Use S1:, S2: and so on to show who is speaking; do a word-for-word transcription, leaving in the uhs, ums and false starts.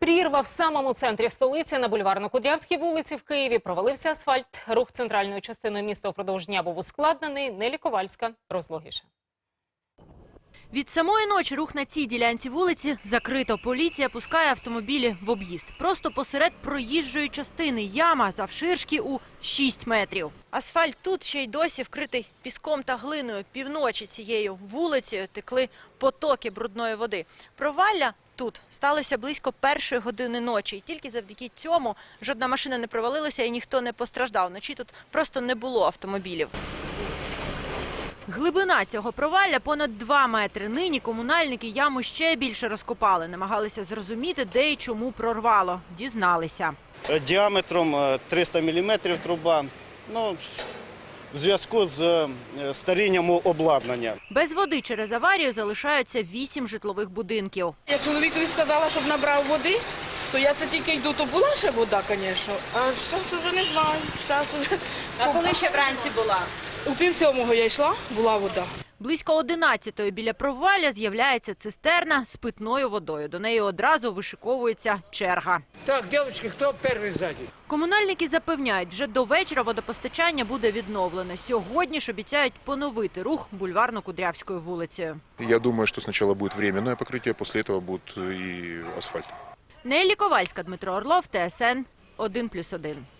S1: Прірва в самому центрі столиці на Бульварно-Кудрявській вулиці в Києві. Провалився асфальт. Рух центральною частиною міста впродовж дня був ускладнений. Нелі Ковальська розлогіше.
S2: Від самої ночі рух на цій ділянці вулиці закрито. Поліція пускає автомобілі в об'їзд. Просто посеред проїжджої частини яма завширшки у шість метрів. Асфальт тут ще й досі вкритий піском та глиною. Півночі цією вулицею текли потоки брудної води. Провалля тут сталося близько першої години ночі. І тільки завдяки цьому жодна машина не провалилася і ніхто не постраждав. Вночі тут просто не було автомобілів. Глибина цього провалля понад два метри. Нині комунальники яму ще більше розкопали. Намагалися зрозуміти, де і чому прорвало. Дізналися.
S3: Діаметром триста міліметрів труба. Ну, в зв'язку з старінням обладнання.
S2: Без води через аварію залишаються вісім житлових будинків.
S4: Я чоловікові сказала, щоб набрав води, то я це тільки йду, то була ще вода, звісно. А зараз вже не знаю. Зараз вже...
S2: А коли ще вранці була?
S4: У пів сьомого я йшла, була вода.
S2: Близько одинадцятої біля провалля з'являється цистерна з питною водою. До неї одразу вишиковується черга.
S5: Так, дівчатки, хто перший ззаді?
S2: Комунальники запевняють, вже до вечора водопостачання буде відновлене. Сьогодні ж обіцяють поновити рух Бульварно-Кудрявською вулицею.
S6: Я думаю, что сначала будет временное покрытие, после этого будет и асфальт.
S2: Нелі Ковальська, Дмитро Орлов, Т С Н один плюс один.